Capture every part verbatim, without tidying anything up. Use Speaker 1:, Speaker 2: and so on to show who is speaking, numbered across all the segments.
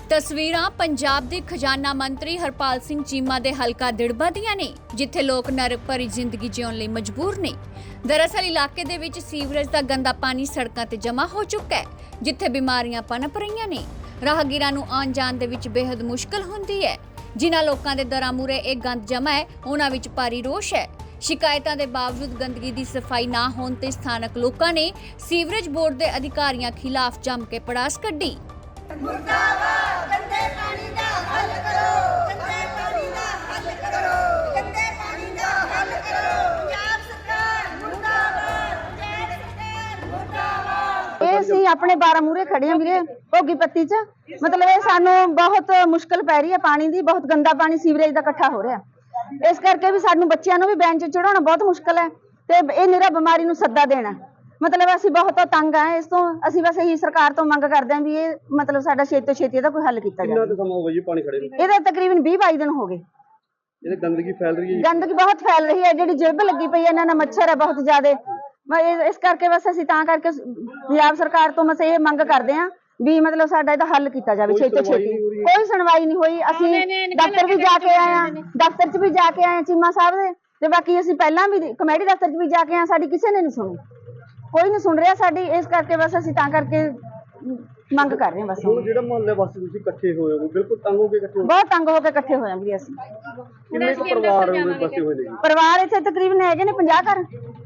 Speaker 1: तस्वीरां पंजाब के खजाना मंत्री हरपाल सिंह चीमा के हलका दिड़बा दियां ने, जिथे लोग नरक भरी जिंदगी जिउण लई मजबूर ने। दरअसल इलाके दे विच सीवरेज का गंदा पानी सड़कों ते जमा हो चुका है, जिथे बीमारियां पनप रहीआं ने। राहगीरां नूं आउण जाण दे विच बेहद मुश्किल हुंदी है। जिन्हां लोकां दे दरां मूहरे इह गंद जमा है, उन्हां विच भारी रोष है। शिकायतां दे बावजूद गंदगी दी सफाई ना होण ते स्थानक लोकां ने सीवरेज बोर्ड दे अधिकारियां खिलाफ जम के पड़ास कड्ढी।
Speaker 2: मुर्दाबाद गंदे पानी दा हल करो, गंदे पानी दा हल करो, गंदे पानी दा हल करो। पंजाब सरकार मुर्दाबाद, पंजाब सरकार मुर्दाबाद।
Speaker 3: ਇਹ ਅਸੀਂ ਆਪਣੇ ਬਾਰਾਂ ਮੂਰੇ ਖੜੇ ਹਾਂ ਵੀਰੇ ਭੋਗੀ ਪੱਤੀ 'ਚ। ਮਤਲਬ ਇਹ ਸਾਨੂੰ ਬਹੁਤ ਮੁਸ਼ਕਲ ਪੈ ਰਹੀ ਹੈ, ਪਾਣੀ ਦੀ ਬਹੁਤ ਗੰਦਾ ਪਾਣੀ ਸੀਵਰੇਜ ਦਾ ਇਕੱਠਾ ਹੋ ਰਿਹਾ। ਇਸ ਕਰਕੇ ਵੀ ਸਾਨੂੰ ਬੱਚਿਆਂ ਨੂੰ ਵੀ ਬੈਂਚ ਚੜਾਉਣਾ ਬਹੁਤ ਮੁਸ਼ਕਲ ਹੈ ਤੇ ਇਹ ਨਿਰਾ ਬਿਮਾਰੀ ਨੂੰ ਸੱਦਾ ਦੇਣਾ। मतलब ਅਸੀਂ ਬਹੁਤ ਤੰਗ ਆ ਇਸ ਤੋਂ। ਅਸੀਂ ਬਸ ਇਹੀ ਸਰਕਾਰ ਤੋਂ ਮੰਗ ਕਰਦੇ ਹਾਂ ਵੀ ਇਹ ਮਤਲਬ ਸਾਡਾ ਛੇਤੀ ਤੋਂ ਛੇਤੀ ਇਹਦਾ ਕੋਈ ਹੱਲ ਕੀਤਾ ਜਾਵੇ।
Speaker 4: ਕਿੰਨਾ ਕੁ ਸਮਾਂ ਹੋ ਗਿਆ ਜੀ ਪਾਣੀ ਖੜੇ ਨੂੰ?
Speaker 3: ਇਹਦਾ ਤਕਰੀਬਨ ਵੀਹ ਬਾਈ ਦਿਨ ਹੋ ਗਏ।
Speaker 4: ਇਹਦੇ ਗੰਦਗੀ ਫੈਲ ਰਹੀ ਹੈ ਜੀ।
Speaker 3: ਗੰਦਗੀ ਬਹੁਤ ਫੈਲ ਰਹੀ ਹੈ, ਜਿਹੜੀ ਜਿਲਬ ਲੱਗੀ ਪਈ ਹੈ, ਇਹਨਾਂ ਨਾਲ ਮੱਛਰ ਹੈ ਬਹੁਤ ਜ਼ਿਆਦੇ। ਇਸ ਕਰਕੇ ਬਸ ਅਸੀਂ ਤਾਂ ਕਰਕੇ ਪੰਜਾਬ ਸਰਕਾਰ ਤੋਂ ਬਸ ਇਹ ਮੰਗ ਕਰਦੇ ਹਾਂ ਵੀ ਮਤਲਬ ਸਾਡਾ ਇਹਦਾ ਹੱਲ ਕੀਤਾ ਜਾਵੇ ਛੇਤੀ ਤੋਂ ਛੇਤੀ। ਕੋਈ ਸੁਣਵਾਈ ਨਹੀਂ ਹੋਈ। ਅਸੀਂ ਦਫ਼ਤਰ ਵੀ ਜਾ ਕੇ ਆਏ ਹਾਂ, ਦਫ਼ਤਰ 'ਚ ਵੀ ਜਾ ਕੇ ਆਏ ਚੀਮਾ ਸਾਹਿਬ ਦੇ, ਤੇ ਬਾਕੀ ਅਸੀਂ ਪਹਿਲਾਂ ਵੀ ਕਮੇਟੀ ਦਫ਼ਤਰ 'ਚ ਵੀ ਜਾ ਕੇ ਆਏ, ਸਾਡੀ ਕਿਸੇ ਨੇ ਨਹੀਂ ਸੁਣੀ, ਕੋਈ ਨਹੀਂ ਸੁਣ ਰਿਹਾ ਸਾਡੀ। ਇਸ ਕਰਕੇ ਬਸ ਅਸੀਂ ਤਾਂ ਕਰਕੇ ਮੰਗ ਕਰ ਰਹੇ ਹਾਂ ਬਸ।
Speaker 4: ਹੁਣ ਜਿਹੜਾ ਮੁਹੱਲੇ ਵਾਸੀ ਤੁਸੀਂ ਇਕੱਠੇ ਹੋਏ ਹੋ, ਬਿਲਕੁਲ ਤੰਗ ਹੋ ਕੇ ਇਕੱਠੇ ਹੋ?
Speaker 3: ਬਹੁਤ ਤੰਗ ਹੋ ਕੇ ਇਕੱਠੇ ਹੋਏ ਹਾਂ ਵੀ ਅਸੀਂ।
Speaker 4: ਕਿੰਨੇ ਕੁ ਪਰਿਵਾਰ ਬਸੇ ਹੋਏ ਨੇ ਜੀ?
Speaker 3: ਪਰਿਵਾਰ ਇੱਥੇ ਤਕਰੀਬਨ ਹੈਗੇ ਨੇ ਪੰਜਾਹ ਘਰ।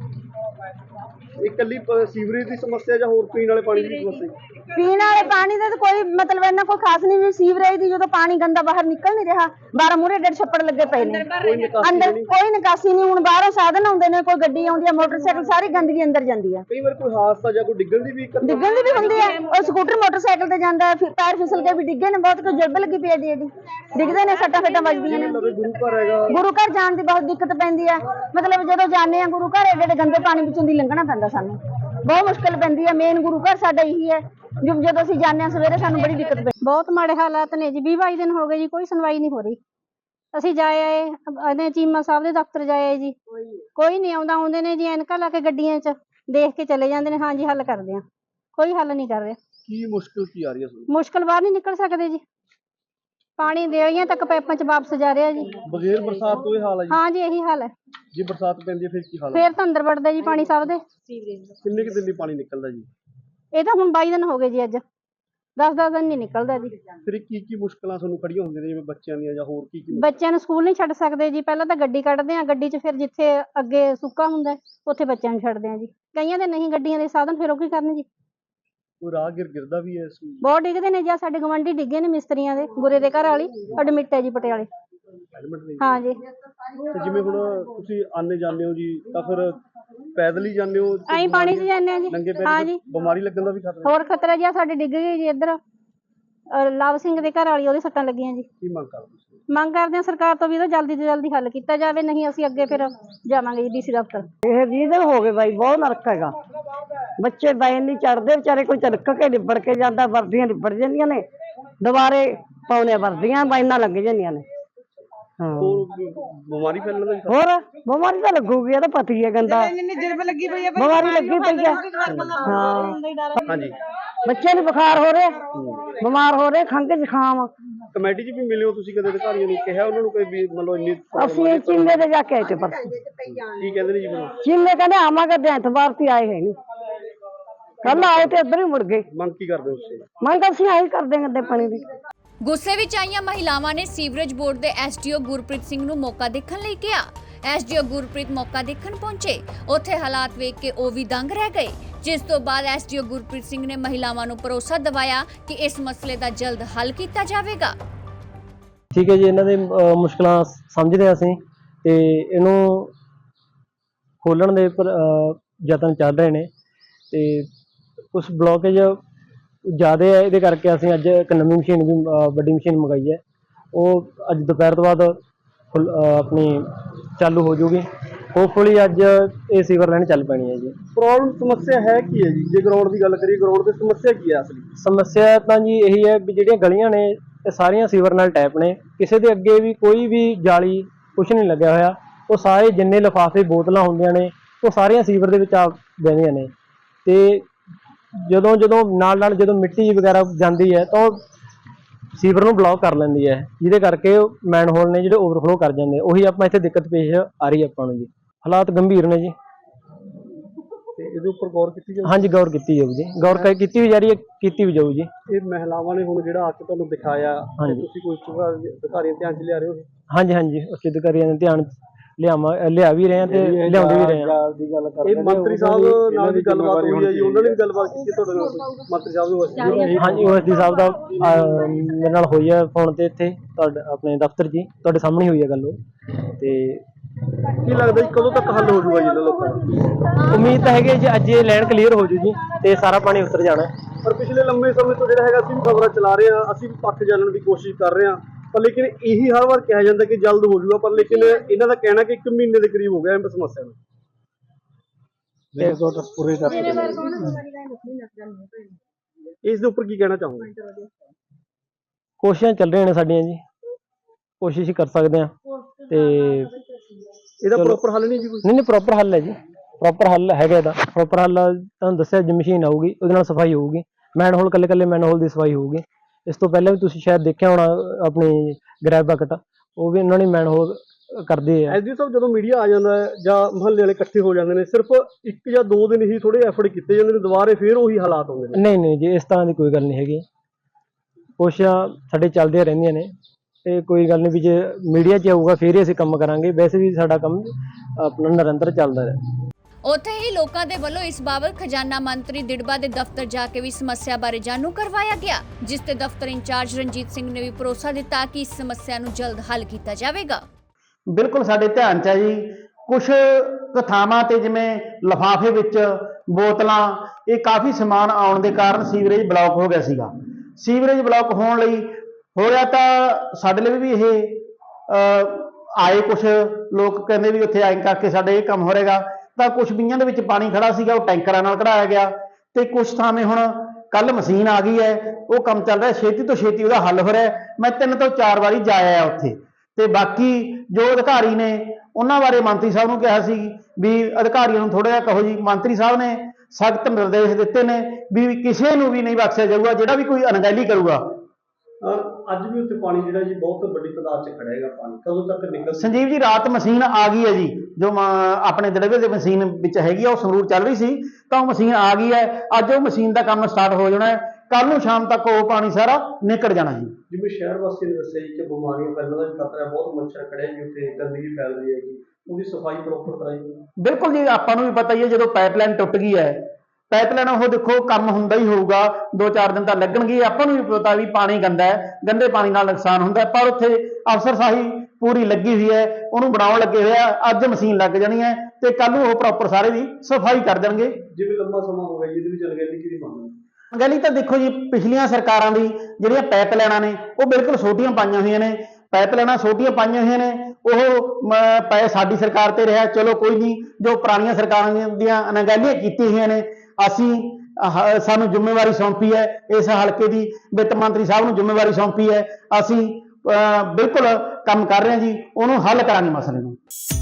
Speaker 4: ਇਹ ਇਕੱਲੀ ਸੀਵਰੇਜ ਦੀ ਸਮੱਸਿਆ ਜਾਂ ਹੋਰ ਪੀਣ ਵਾਲੇ ਪਾਣੀ ਦੀ ਸਮੱਸਿਆ?
Speaker 3: ਪੀਣ ਵਾਲੇ ਪਾਣੀ ਦਾ ਤਾਂ ਕੋਈ ਮਤਲਬ ਇਹਨਾਂ ਕੋਈ ਖਾਸ ਨਹੀਂ। ਵੀ ਸੀਵਰੇਜ ਦੀ ਜਦੋਂ ਪਾਣੀ ਗੰਦਾ ਬਾਹਰ ਨਿਕਲ ਨਹੀਂ ਰਿਹਾ, ਬਾਰਾਂ ਮੂਹਰੇ ਡੇਢ ਛੱਪੜ ਲੱਗੇ ਪਏ ਨੇ, ਅੰਦਰ ਕੋਈ ਨਿਕਾਸੀ ਨਹੀਂ। ਹੁਣ ਬਾਹਰੋਂ ਸਾਧਨ ਆਉਂਦੇ ਨੇ, ਕੋਈ ਗੱਡੀ ਆਉਂਦੀ ਹੈ, ਮੋਟਰਸਾਈਕਲ, ਸਾਰੀ ਗੰਦਗੀ ਅੰਦਰ ਜਾਂਦੀ ਹੈ।
Speaker 4: ਕਈ ਵਾਰ ਕੋਈ ਹਾਦਸਾ ਜਾਂ ਕੋਈ ਡਿੱਗਣ ਦੀ ਵੀ
Speaker 3: ਡਿੱਗਣ ਦੀ ਵੀ ਹੁੰਦੀ ਹੈ। ਉਹ ਸਕੂਟਰ ਮੋਟਰਸਾਈਕਲ ਤੇ ਜਾਂਦਾ, ਪੈਰ ਫਿਸਲ ਕੇ ਵੀ ਡਿੱਗੇ ਨੇ ਬਹੁਤ। ਕੋਈ ਜਲਬ ਲੱਗੀ ਪਈ ਏਡੀ ਏਡੀ ਡਿੱਗਦੇ ਨੇ, ਸੱਟਾਂ ਫੇਟਾਂ ਵੱਜਦੀਆਂ ਨੇ।
Speaker 4: ਗੁਰੂ ਘਰ ਹੈਗਾ,
Speaker 3: ਗੁਰੂ ਘਰ ਜਾਣ ਦੀ ਬਹੁਤ ਦਿੱਕਤ ਪੈਂਦੀ ਹੈ। ਮਤਲਬ ਜਦੋਂ ਜਾਂਦੇ ਆ ਗੁਰੂ ਘਰ, ਏਡੇ ਏਡੇ ਗੰਦੇ ਪਾਣੀ ਵਿੱਚੋਂ ਦੀ ਲੰਘਣਾ ਪੈਂਦਾ ਸਾਨੂੰ, ਬਹੁਤ ਮੁਸ਼ਕਲ ਪੈਂਦੀ ਹੈ। ਮੇਨ ਗੁਰੂ ਘਰ ਸਾਡਾ ਇਹੀ ਹੈ, ਜਦੋਂ ਅਸੀਂ ਜਾਂਦੇ ਹਾਂ ਸਵੇਰੇ ਸਾਨੂੰ ਬੜੀ ਦਿੱਕਤ ਪੈਂਦੀ।
Speaker 5: ਬਹੁਤ ਮਾੜੇ ਹਾਲਾਤ ਨੇ ਜੀ। ਵੀਹ ਬਾਈ ਦਿਨ ਹੋ ਗਏ ਜੀ, ਕੋਈ ਸੁਣਵਾਈ ਨਹੀਂ ਹੋ ਰਹੀ। ਅਸੀਂ ਜਾਏ ਆਏ ਇਹਨੇ ਚੀਮਾ ਸਾਹਿਬ ਦੇ ਦਫ਼ਤਰ ਜਾਏ ਜੀ, ਕੋਈ ਨਹੀਂ ਆਉਂਦਾ। ਆਉਂਦੇ ਨੇ ਜੀ ਐਨਕਾਂ ਲਾ ਕੇ ਗੱਡੀਆਂ 'ਚ, ਦੇਖ ਕੇ ਚਲੇ ਜਾਂਦੇ ਨੇ, ਹਾਂ ਜੀ ਹੱਲ ਕਰਦੇ ਆ। ਕੋਈ ਹੱਲ ਨਹੀਂ ਕਰ ਰਿਹਾ।
Speaker 4: ਕੀ ਮੁਸ਼ਕਲ ਕੀ ਆ ਰਹੀ ਹੈ?
Speaker 5: ਮੁਸ਼ਕਲ ਬਾਹਰ ਨਹੀਂ ਨਿਕਲ ਸਕਦੇ ਜੀ। ਪਾਣੀ ਦੇਲੀਆਂ ਤੱਕ ਪਾਈਪਾਂ 'ਚ ਵਾਪਸ ਜਾ ਰਿਹਾ ਜੀ।
Speaker 4: ਬਗੈਰ ਬਰਸਾਤ ਤੋਂ ਇਹ ਹਾਲ ਹੈ ਜੀ?
Speaker 5: ਹਾਂ ਜੀ ਇਹੀ ਹਾਲ ਹੈ।
Speaker 4: ਜੇ ਬਰਸਾਤ ਪੈਂਦੀ ਹੈ ਫਿਰ ਕੀ ਹਾਲ ਹੈ?
Speaker 5: ਫੇਰ ਤਾਂ ਅੰਦਰ ਵੜਦਾ ਜੀ ਪਾਣੀ ਸਭ ਦੇ।
Speaker 4: ਕਿੰਨੇ ਕੁ ਦਿਨ ਲਈ ਪਾਣੀ ਨਿਕਲਦਾ ਜੀ?
Speaker 5: ਇਹ ਤਾਂ ਹੁਣ ਬਾਈ ਦਿਨ ਹੋ ਗਏ ਜੀ, ਅੱਜ ਦਸ ਦਸ ਦਿਨ ਨਹੀਂ ਨਿਕਲਦਾ ਜੀ।
Speaker 4: ਫਿਰ ਕੀ ਕੀ ਮੁਸ਼ਕਲਾਂ ਤੁਹਾਨੂੰ ਖੜੀਆਂ ਹੁੰਦੀਆਂ ਨੇ, ਜਿਵੇਂ ਬੱਚਿਆਂ ਦੀਆਂ ਜਾਂ ਹੋਰ ਕੀ ਕੀ?
Speaker 5: ਬੱਚਿਆਂ ਨੂੰ ਸਕੂਲ ਨਹੀਂ ਛੱਡ ਸਕਦੇ ਜੀ। ਪਹਿਲਾਂ ਤਾਂ ਗੱਡੀ ਕੱਢਦੇ ਆ, ਗੱਡੀ 'ਚ ਫਿਰ ਜਿੱਥੇ ਅੱਗੇ ਸੁੱਕਾ ਹੁੰਦਾ ਉੱਥੇ ਬੱਚਿਆਂ ਨੂੰ ਛੱਡਦੇ ਆ ਜੀ। ਕਈਆਂ ਦੇ ਨਹੀਂ ਗੱਡੀਆਂ ਦੇ ਸਾਧਨ, ਫਿਰ ਉਹ ਕੀ ਕਰਨ ਜੀ?
Speaker 4: ਕੋਈ ਰਾਹਗੀਰ ਗਿਰਦਾ ਵੀ ਹੈ?
Speaker 5: ਬਹੁਤ ਡਿੱਗਦੇ ਨੇ ਜੀ। ਸਾਡੇ ਗਵਾਂਢੀ ਡਿੱਗੇ ਨੇ ਮਿਸਤਰੀਆਂ ਦੇ, ਗੁਰੇ ਦੇ ਘਰ ਵਾਲੀ ਐਡਮਿਟ ਹੈ ਜੀ ਪਟਿਆਲੇ। ਹਾਂ ਜੀ।
Speaker 4: ਤੇ ਜਿਵੇਂ ਹੁਣ ਤੁਸੀਂ ਆਨੇ ਜਾਂਦੇ ਹੋ ਜੀ, ਤਾਂ ਫਿਰ ਪੈਦਲ ਹੀ ਜਾਂਦੇ ਹੋ?
Speaker 5: ਅਸੀਂ ਪਾਣੀ 'ਚ ਜਾਂਦੇ ਆ ਜੀ। ਹਾਂ ਜੀ।
Speaker 4: ਬਿਮਾਰੀ ਲੱਗਣ ਦਾ ਵੀ ਖਤਰਾ?
Speaker 5: ਹੋਰ ਖਤਰਾ ਜੀ। ਸਾਡੇ ਡਿੱਗ ਗਏ ਜੀ ਇੱਧਰ ਲਵ ਸਿੰਘ ਦੇ ਘਰ ਵਾਲੀ, ਉਹਦੇ ਸੱਟਾਂ ਲੱਗੀਆਂ ਜੀ।
Speaker 4: ਕੀ ਮੰਗ ਕਰਦੇ?
Speaker 5: ਮੰਗ ਕਰਦੇ ਆ ਸਰਕਾਰ ਤੋਂ ਵੀ ਇਹਦਾ ਜਲਦੀ ਤੋਂ ਜਲਦੀ ਹੱਲ ਕੀਤਾ ਜਾਵੇ, ਨਹੀਂ ਅਸੀਂ ਅੱਗੇ ਫਿਰ ਜਾਵਾਂਗੇ ਜੀ ਡੀਸੀ ਦਫ਼ਤਰ।
Speaker 3: ਇਹ ਵੀਹ ਦਿਨ ਹੋ ਗਏ ਬਾਈ, ਬਹੁਤ ਨਰਕ ਹੈਗਾ। ਬੱਚੇ ਬੈਨ ਨਹੀਂ ਚੜਦੇ ਵਿਚਾਰੇ, ਕੋਈ ਚਲਕ ਕੇ ਲਿਬੜ ਕੇ ਜਾਂਦਾ, ਵਰਦੀਆਂ ਲਿਬੜ ਜਾਂਦੀਆਂ ਨੇ, ਦੁਬਾਰੇ ਪਾਉਣੇ ਵਰਦੀਆਂ ਬਾਈਨਾਂ ਲੱਗ ਜਾਂਦੀਆਂ ਨੇ।
Speaker 4: ਹੋਰ ਬਿਮਾਰੀ ਫੈਲਣ ਦਾ?
Speaker 3: ਹੋਰ ਬਿਮਾਰੀ ਤਾਂ ਲੱਗੂਗੀ, ਇਹ ਤਾਂ ਪਤਾ ਹੀ ਹੈ। ਗੰਦਾ
Speaker 2: ਜਿਰਬ ਲੱਗੀ ਪਈ ਹੈ,
Speaker 3: ਬਿਮਾਰੀ ਲੱਗੀ ਪਈ ਹੈ। ਹਾਂ
Speaker 4: ਹਾਂਜੀ।
Speaker 3: ਬੱਚੇ ਨੂੰ ਬੁਖਾਰ ਹੋ ਰਿਹਾ, ਬਿਮਾਰ ਹੋ ਰਹੇ, ਖੰਘ ਜ਼ੁਕਾਮ।
Speaker 4: ਕਮੇਟੀ 'ਚ ਵੀ ਮਿਲੇ ਹੋ ਤੁਸੀਂ ਕਦੇ? ਅਧਿਕਾਰੀਆਂ ਨੂੰ ਕਿਹਾ ਉਹਨਾਂ ਨੂੰ ਕੋਈ ਵੀ ਮਤਲਬ ਇੰਨੀ?
Speaker 3: ਅਸੀਂ ਚੀਮੇ ਤੇ ਜਾ ਕੇ ਆਏ ਤੇ ਪਰ
Speaker 4: ਕੀ ਕਹਿੰਦੇ ਨੇ ਜੀ ਫਿਰ?
Speaker 3: ਚੀਮੇ ਕਹਿੰਦੇ ਆਵਾਂਗੇ ਤੇ ਐਤਵਾਰ ਤੇ ਆਏ ਹੈ ਨਹੀਂ, ਕੱਲ ਆਏ ਤੇ ਇੱਧਰ ਹੀ ਮੁੜ ਗਏ।
Speaker 4: ਮੰਗ ਕੀ ਕਰਦੇ ਹੋ ਤੁਸੀਂ?
Speaker 3: ਮੰਗ ਅਸੀਂ ਆਹੀ ਕਰਦੇ ਹਾਂ ਗੰਦੇ ਪਾਣੀ ਦੀ।
Speaker 1: ਗੁੱਸੇ ਵਿੱਚ ਆਈਆਂ ਮਹਿਲਾਵਾਂ ਨੇ ਸੀਵਰੇਜ ਬੋਰਡ ਦੇ ਐਸਡੀਓ ਗੁਰਪ੍ਰੀਤ ਸਿੰਘ ਨੂੰ ਮੌਕਾ ਦੇਖਣ ਲਈ ਕਿਹਾ। ਐਸਡੀਓ ਗੁਰਪ੍ਰੀਤ ਮੌਕਾ ਦੇਖਣ ਪਹੁੰਚੇ, ਉੱਥੇ ਹਾਲਾਤ ਵੇਖ ਕੇ ਉਹ ਵੀ ਦੰਗ ਰਹਿ ਗਏ, ਜਿਸ ਤੋਂ ਬਾਅਦ ਐਸਡੀਓ ਗੁਰਪ੍ਰੀਤ ਸਿੰਘ ਨੇ ਮਹਿਲਾਵਾਂ ਨੂੰ ਭਰੋਸਾ ਦਿਵਾਇਆ ਕਿ ਇਸ ਮਸਲੇ ਦਾ ਜਲਦ ਹੱਲ ਕੀਤਾ ਜਾਵੇਗਾ।
Speaker 6: ਠੀਕ ਹੈ ਜੀ, ਇਹਨਾਂ ਦੇ ਮੁਸ਼ਕਲਾਂ ਸਮਝਦੇ ਹਾਂ ਅਸੀਂ, ਤੇ ਇਹਨੂੰ ਖੋਲਣ ਦੇ ਪਰ ਯਤਨ ਚੱਲ ਰਹੇ ਨੇ, ਤੇ ਕੁਝ ਬਲੋਕੇਜ ਜ਼ਿਆਦਾ ਹੈ। ਇਹਦੇ ਕਰਕੇ ਅਸੀਂ ਅੱਜ ਇੱਕ ਨਵੀਂ ਮਸ਼ੀਨ ਵੀ, ਵੱਡੀ ਮਸ਼ੀਨ ਮੰਗਾਈ ਹੈ। ਉਹ ਅੱਜ ਦੁਪਹਿਰ ਤੋਂ ਬਾਅਦ ਆਪਣੀ ਚਾਲੂ ਹੋ ਜੂਗੀ। ਹੋਪਫੁਲੀ ਅੱਜ ਇਹ ਸੀਵਰ ਲਾਈਨ ਚੱਲ ਪੈਣੀ ਹੈ ਜੀ।
Speaker 4: ਪ੍ਰੋਬਲਮ ਸਮੱਸਿਆ ਹੈ ਕੀ ਹੈ ਜੀ? ਜੇ ਗਰਾਊਂਡ ਦੀ ਗੱਲ ਕਰੀਏ, ਗਰਾਊਂਡ ਦੀ ਸਮੱਸਿਆ ਕੀ ਹੈ ਅਸਲੀ?
Speaker 6: ਸਮੱਸਿਆ ਤਾਂ ਜੀ ਇਹੀ ਹੈ ਵੀ ਜਿਹੜੀਆਂ ਗਲੀਆਂ ਨੇ ਇਹ ਸਾਰੀਆਂ ਸੀਵਰ ਨਾਲ ਟੈਪ ਨੇ। ਕਿਸੇ ਦੇ ਅੱਗੇ ਵੀ ਕੋਈ ਵੀ ਜਾਲੀ ਕੁਛ ਨਹੀਂ ਲੱਗਿਆ ਹੋਇਆ। ਉਹ ਸਾਰੇ ਜਿੰਨੇ ਲਿਫਾਫੇ ਬੋਤਲਾਂ ਹੁੰਦੀਆਂ ਨੇ ਉਹ ਸਾਰੀਆਂ ਸੀਵਰ ਦੇ ਵਿੱਚ ਆ ਬਹਿੰਦੀਆਂ ਨੇ, ਤੇ ਜਦੋਂ ਜਦੋਂ ਨਾਲ ਨਾਲ ਜਦੋਂ ਮਿੱਟੀ ਵਗੈਰਾ ਜਾਂਦੀ ਹੈ ਤਾਂ ਸੀਵਰ ਨੂੰ ਬਲੌਕ ਕਰ ਲੈਂਦੀ ਹੈ, ਜਿਹਦੇ ਕਰਕੇ ਮੈਨਹੋਲ ਨੇ ਜਿਹੜੇ ਓਵਰਫਲੋ ਕਰ ਜਾਂਦੇ ਆ। ਉਹੀ ਆਪਾਂ ਇੱਥੇ ਦਿੱਕਤ ਪੇਸ਼ ਆ ਰਹੀ ਆਪਾਂ ਨੂੰ ਜੀ। ਹਾਲਾਤ ਗੰਭੀਰ ਨੇ ਜੀ।
Speaker 4: ਤੇ ਇਹਦੇ ਉੱਪਰ ਗੌਰ ਕੀਤੀ ਜਾਵੇ।
Speaker 6: ਹਾਂਜੀ, ਗੌਰ ਕੀਤੀ ਜਾਊ ਜੀ। ਗੌਰ ਕ- ਕੀਤੀ ਵੀ ਜਾ ਰਹੀ ਹੈ, ਕੀਤੀ ਵੀ ਜਾਊ ਜੀ।
Speaker 4: ਇਹ ਮਹਿਲਾਵਾਂ ਨੇ ਹੁਣ ਜਿਹੜਾ ਆ ਕੇ ਤੁਹਾਨੂੰ ਦਿਖਾਇਆ, ਤੇ
Speaker 6: ਹਾਂਜੀ।
Speaker 4: ਤੁਸੀਂ ਕੋਈ ਉੱਚ ਅਧਿਕਾਰੀਆਂ ਧਿਆਨ 'ਚ ਲਿਆ ਰਹੇ ਹੋ?
Speaker 6: ਹਾਂਜੀ ਹਾਂਜੀ, ਉੱਚ ਅਧਿਕਾਰੀਆਂ ਦੇ ਧਿਆਨ ਲਿਆਵਾਂ ਲਿਆ ਵੀ ਰਹੇ ਹਾਂ ਤੇ ਲਿਆਉਂਦੇ ਵੀ ਰਹੇ ਹਾਂ।
Speaker 4: ਇਹ ਮੰਤਰੀ ਸਾਹਿਬ ਨਾਲ ਵੀ ਗੱਲਬਾਤ ਹੋਈ ਹੈ ਜੀ, ਉਹਨਾਂ ਨੇ ਵੀ ਗੱਲਬਾਤ ਕੀਤੀ ਤੁਹਾਡੇ ਨਾਲ? ਮੰਤਰੀ ਸਾਹਿਬ ਨੂੰ?
Speaker 6: ਹਾਂਜੀ, ਓਐਸਡੀ ਸਾਹਿਬ ਦਾ ਅਹ, ਮੇਰੇ ਨਾਲ ਹੋਈ ਹੈ ਫੋਨ ਤੇ ਇੱਥੇ ਤੁਹਾਡੇ ਆਪਣੇ ਦਫ਼ਤਰ 'ਚ ਹੀ, ਤੁਹਾਡੇ ਸਾਹਮਣੇ ਹੋਈ ਹੈ ਗੱਲ ਉਹ। ਤੇ
Speaker 4: ਕੀ ਲੱਗਦਾ ਜੀ ਕਦੋਂ ਤੱਕ ਹੱਲ ਹੋ ਜਾਊਗਾ ਜੀ ਇਹਨਾਂ ਲੋਕਾਂ ਦਾ?
Speaker 6: ਉਮੀਦ ਤਾਂ ਹੈਗੀ ਜੀ ਅੱਜ ਇਹ ਲੈਣ ਕਲੀਅਰ ਹੋ ਜੂ ਜੀ ਤੇ ਸਾਰਾ ਪਾਣੀ ਉਤਰ ਜਾਣਾ।
Speaker 4: ਪਰ ਪਿਛਲੇ ਲੰਮੇ ਸਮੇਂ ਤੋਂ ਜਿਹੜਾ ਹੈਗਾ ਅਸੀਂ ਵੀ ਖਬਰਾਂ ਚਲਾ ਰਹੇ ਹਾਂ, ਅਸੀਂ ਵੀ ਪੱਖ ਜਾਣਨ ਦੀ ਕੋਸ਼ਿਸ਼ ਕਰ ਰਹੇ ਹਾਂ, ਪਰ ਲੇਕਿਨ ਇਹੀ ਹਰ ਵਾਰ ਕਿਹਾ ਜਾਂਦਾ ਕਿ ਜਲਦ ਹੋ ਜਾਊਗਾ, ਪਰ ਲੇਕਿਨ ਇਹਨਾਂ ਦਾ ਕਹਿਣਾ ਕਿ ਇੱਕ ਮਹੀਨੇ ਦੇ ਕਰੀਬ ਹੋ ਗਿਆ ਇਹ ਸਮੱਸਿਆ ਨੂੰ। ਇਸ ਦੇ ਉੱਪਰ ਕੀ ਕਹਿਣਾ ਚਾਹੋਗੇ?
Speaker 6: ਕੋਸ਼ਿਸ਼ਾਂ ਚੱਲ ਰਹੀਆਂ ਨੇ ਸਾਡੀਆਂ ਜੀ, ਕੋਸ਼ਿਸ਼ ਹੀ ਕਰ ਸਕਦੇ ਹਾਂ। ਤੇ
Speaker 4: ਇਹਦਾ ਪ੍ਰੋਪਰ ਹੱਲ ਨਹੀਂ ਜੀ ਕੋਈ?
Speaker 6: ਨਹੀਂ ਨਹੀਂ, ਪ੍ਰੋਪਰ ਹੱਲ ਹੈ ਜੀ, ਪ੍ਰੋਪਰ ਹੱਲ ਹੈਗਾ ਇਹਦਾ। ਪ੍ਰੋਪਰ ਹੱਲ ਤੁਹਾਨੂੰ ਦੱਸਿਆ ਜੀ, ਮਸ਼ੀਨ ਆਊਗੀ, ਉਹਦੇ ਨਾਲ ਸਫਾਈ ਹੋਊਗੀ, ਮੈਨਹੋਲ ਇਕੱਲੇ ਇਕੱਲੇ ਮੈਨਹੋਲ ਦੀ ਸਫਾਈ ਹੋਊਗੀ। ਇਸ ਤੋਂ ਪਹਿਲਾਂ ਵੀ ਤੁਸੀਂ ਸ਼ਾਇਦ ਦੇਖਿਆ ਹੋਣਾ ਆਪਣੀ ਗ੍ਰੈਬ ਬਕਟ, ਉਹ ਵੀ ਉਹਨਾਂ ਨੇ ਮੈਨਹੋਲ ਕਰਦੇ ਆ।
Speaker 4: ਐਸਡੀ ਸਾਹਿਬ, ਜਦੋਂ ਮੀਡੀਆ ਆ ਜਾਂਦਾ ਹੈ ਜਾਂ ਮੁਹੱਲੇ ਵਾਲੇ ਇਕੱਠੇ ਹੋ ਜਾਂਦੇ ਨੇ, ਸਿਰਫ ਇੱਕ ਜਾਂ ਦੋ ਦਿਨ ਹੀ ਥੋੜੇ ਐਫਰਟ ਕੀਤੇ ਜਾਂਦੇ ਨੇ, ਦੁਬਾਰੇ ਫੇਰ ਉਹੀ ਹਾਲਾਤ ਆਉਂਦੇ ਨੇ।
Speaker 6: ਨਹੀਂ ਨਹੀਂ ਜੀ, ਇਸ ਤਰ੍ਹਾਂ ਦੀ ਕੋਈ ਗੱਲ ਨਹੀਂ ਹੈਗੀ। ਕੋਸ਼ਿਸ਼ਾਂ ਸਾਡੇ ਚੱਲਦੀਆਂ ਰਹਿੰਦੀਆਂ ਨੇ, ਤੇ ਕੋਈ ਗੱਲ ਨਹੀਂ ਵੀ ਜੇ ਮੀਡੀਆ 'ਚ ਆਊਗਾ ਫੇਰ ਹੀ ਅਸੀਂ ਕੰਮ ਕਰਾਂਗੇ। ਵੈਸੇ ਵੀ ਸਾਡਾ ਕੰਮ ਆਪਣਾ ਨਿਰੰਤਰ ਚੱਲਦਾ ਹੈ।
Speaker 1: ਉੱਥੇ ਹੀ ਲੋਕਾਂ ਦੇ ਵੱਲੋਂ ਇਸ ਬਾਬਤ ਖਜ਼ਾਨਾ ਮੰਤਰੀ ਦਿੜਬਾ ਦੇ ਦਫ਼ਤਰ ਜਾ ਕੇ ਵੀ ਸਮੱਸਿਆ ਬਾਰੇ ਜਾਣੂ ਕਰਵਾਇਆ ਗਿਆ, ਜਿਸ ਤੇ ਦਫ਼ਤਰ ਇੰਚਾਰਜ ਰਣਜੀਤ ਸਿੰਘ ਨੇ ਵੀ ਭਰੋਸਾ ਦਿੱਤਾ ਕਿ ਇਸ ਸਮੱਸਿਆ ਨੂੰ ਜਲਦ ਹੱਲ ਕੀਤਾ ਜਾਵੇਗਾ।
Speaker 7: ਬਿਲਕੁਲ ਸਾਡੇ ਧਿਆਨ 'ਚ ਹੈ ਜੀ। ਕੁਛ ਥਾਵਾਂ ਤੇ ਜਿਵੇਂ ਲਿਫਾਫੇ ਵਿੱਚ ਬੋਤਲਾਂ, ਇਹ ਕਾਫੀ ਸਮਾਨ ਆਉਣ ਦੇ ਕਾਰਨ ਸੀਵਰੇਜ ਬਲੌਕ ਹੋ ਗਿਆ ਸੀਗਾ। ਸੀਵਰੇਜ ਬਲੌਕ ਹੋਣ ਲਈ ਹੋ ਰਿਹਾ ਤਾਂ ਸਾਡੇ ਲਈ ਵੀ ਇਹ ਆਏ, ਕੁਛ ਲੋਕ ਕਹਿੰਦੇ ਵੀ ਉੱਥੇ ਐਂ ਕਰਕੇ ਸਾਡੇ ਇਹ ਕੰਮ ਹੋ ਰਹੇਗਾ, ਤਾਂ ਕੁਛ ਬੀਆਂ ਦੇ ਵਿੱਚ ਪਾਣੀ ਖੜਾ ਸੀਗਾ, ਉਹ ਟੈਂਕਰਾਂ ਨਾਲ ਕਢਾਇਆ ਗਿਆ। ਤੇ ਕੁਛ ਥਾਵੇਂ ਹੁਣ ਕੱਲ ਮਸ਼ੀਨ ਆ ਗਈ ਹੈ, ਉਹ ਕੰਮ ਚੱਲ ਰਿਹਾ, ਛੇਤੀ ਤੋਂ ਛੇਤੀ ਉਹਦਾ ਹੱਲ ਹੋ ਰਿਹਾ। ਮੈਂ ਤਿੰਨ ਤੋਂ ਚਾਰ ਵਾਰੀ ਜਾ ਆਇਆ ਉੱਥੇ। ਤੇ ਬਾਕੀ ਜੋ ਅਧਿਕਾਰੀ ਨੇ ਉਹਨਾਂ ਬਾਰੇ ਮੰਤਰੀ ਸਾਹਿਬ ਨੂੰ ਕਿਹਾ ਸੀ ਵੀ ਅਧਿਕਾਰੀਆਂ ਨੂੰ ਥੋੜਾ ਜਿਹਾ ਕਹੋ ਜੀ। ਮੰਤਰੀ ਸਾਹਿਬ ਨੇ ਸਖਤ ਨਿਰਦੇਸ਼ ਦਿੱਤੇ ਨੇ ਵੀ ਕਿਸੇ ਨੂੰ ਵੀ ਨਹੀਂ ਬਖਸ਼ਿਆ ਜਾਊਗਾ ਜਿਹੜਾ ਵੀ ਕੋਈ ਅਣਗਹਿਲੀ ਕਰੂਗਾ।
Speaker 4: ਅੱਜ ਵੀ ਉੱਥੇ ਪਾਣੀ ਜਿਹੜਾ ਜੀ ਬਹੁਤ ਵੱਡੀ ਤਾਦਾਦ 'ਚ ਖੜੇਗਾ। ਪਾਣੀ ਕਦੋਂ ਤੱਕ ਨਿਕਲ?
Speaker 7: ਸੰਜੀਵ ਜੀ, ਰਾਤ ਮਸ਼ੀਨ ਆ ਗਈ ਹੈ ਜੀ, ਜੋ ਆਪਣੇ ਦਿੜਬੇ ਦੇ ਮਸ਼ੀਨ ਵਿੱਚ ਹੈਗੀ ਆ, ਉਹ ਸੰਗਰੂਰ ਚੱਲ ਰਹੀ ਸੀ, ਤਾਂ ਉਹ ਮਸ਼ੀਨ ਆ ਗਈ ਹੈ। ਅੱਜ ਉਹ ਮਸ਼ੀਨ ਦਾ ਕੰਮ ਸਟਾਰਟ ਹੋ ਜਾਣਾ ਹੈ, ਕੱਲ ਨੂੰ ਸ਼ਾਮ ਤੱਕ ਉਹ ਪਾਣੀ ਸਾਰਾ ਨਿਕਲ ਜਾਣਾ ਜੀ।
Speaker 4: ਜਿਵੇਂ ਸ਼ਹਿਰ ਵਾਸੀਆਂ ਨੇ ਦੱਸਿਆ ਜੀ ਕਿ ਬਿਮਾਰੀਆਂ ਫੈਲਣ ਦਾ ਵੀ ਖਤਰਾ ਹੈ, ਬਹੁਤ ਮੱਛਰ ਖੜਿਆ ਜੀ ਉੱਥੇ, ਗੰਦਗੀ ਫੈਲ ਰਹੀ ਹੈਗੀ, ਉਹਦੀ ਸਫਾਈ ਪ੍ਰੋਪਰ ਕਰਾਈ?
Speaker 7: ਬਿਲਕੁਲ ਜੀ, ਆਪਾਂ ਨੂੰ ਵੀ ਪਤਾ ਹੀ ਹੈ, ਜਦੋਂ ਪਾਈਪਲਾਈਨ ਟੁੱਟ ਗਈ ਹੈ, ਪਾਈਪਲਾਈਨ ਉਹ ਦੇਖੋ ਕੰਮ ਹੁੰਦਾ ਹੀ ਹੋਊਗਾ, ਦੋ ਚਾਰ ਦਿਨ ਤਾਂ ਲੱਗਣਗੇ। ਆਪਾਂ ਨੂੰ ਵੀ ਪਤਾ ਵੀ ਪਾਣੀ ਗੰਦਾ ਹੈ, ਗੰਦੇ ਪਾਣੀ ਨਾਲ ਨੁਕਸਾਨ ਹੁੰਦਾ, ਪਰ ਉੱਥੇ ਅਫਸਰਸ਼ਾਹੀ ਪੂਰੀ ਲੱਗੀ ਹੋਈ ਹੈ, ਉਹਨੂੰ ਬਣਾਉਣ ਲੱਗੇ ਹੋਏ ਆ। ਅੱਜ ਮਸ਼ੀਨ ਲੱਗ ਜਾਣੀ ਹੈ ਤੇ ਕੱਲ ਨੂੰ ਉਹ ਪ੍ਰੋਪਰ ਸਾਰੇ ਦੀ ਸਫਾਈ ਕਰ ਦੇਣਗੇ।
Speaker 4: ਜਿਵੇਂ ਲੰਬਾ ਸਮਾਂ ਹੋ ਗਿਆ, ਇਹਦੇ ਵਿੱਚ ਅਣਗਹਿਲੀ ਕਿਹਦੀ ਮੰਗ?
Speaker 7: ਅਣਗਹਿਲੀ ਤਾਂ ਦੇਖੋ ਜੀ, ਪਿਛਲੀਆਂ ਸਰਕਾਰਾਂ ਦੀ ਜਿਹੜੀਆਂ ਪਾਈਪਲਾਈਨਾਂ ਨੇ ਉਹ ਬਿਲਕੁਲ ਛੋਟੀਆਂ ਪਾਈਆਂ ਹੋਈਆਂ ਨੇ, ਪਾਈਪਲਾਈਨਾਂ ਛੋਟੀਆਂ ਪਾਈਆਂ ਹੋਈਆਂ ਨੇ, ਉਹ ਪੈ ਸਾਡੀ ਸਰਕਾਰ ਤੇ ਰਿਹਾ। ਚਲੋ ਕੋਈ ਨਹੀਂ, ਜੋ ਪੁਰਾਣੀਆਂ ਸਰਕਾਰਾਂ ਦੀਆਂ ਅਣਗਹਿਲੀਆਂ ਕੀਤੀਆਂ ਹੋਈਆਂ ਨੇ, ਅਸੀਂ ਸਾਨੂੰ ਜ਼ਿੰਮੇਵਾਰੀ ਸੌਂਪੀ ਹੈ, ਇਸ ਹਲਕੇ ਦੀ ਵਿੱਤ ਮੰਤਰੀ ਸਾਹਿਬ ਨੂੰ ਜ਼ਿੰਮੇਵਾਰੀ ਸੌਂਪੀ ਹੈ। ਅਸੀਂ ਬਿਲਕੁਲ ਕੰਮ ਕਰ ਰਹੇ ਹਾਂ ਜੀ, ਉਹਨੂੰ ਹੱਲ ਕਰਾਂਗੇ ਮਸਲੇ ਨੂੰ।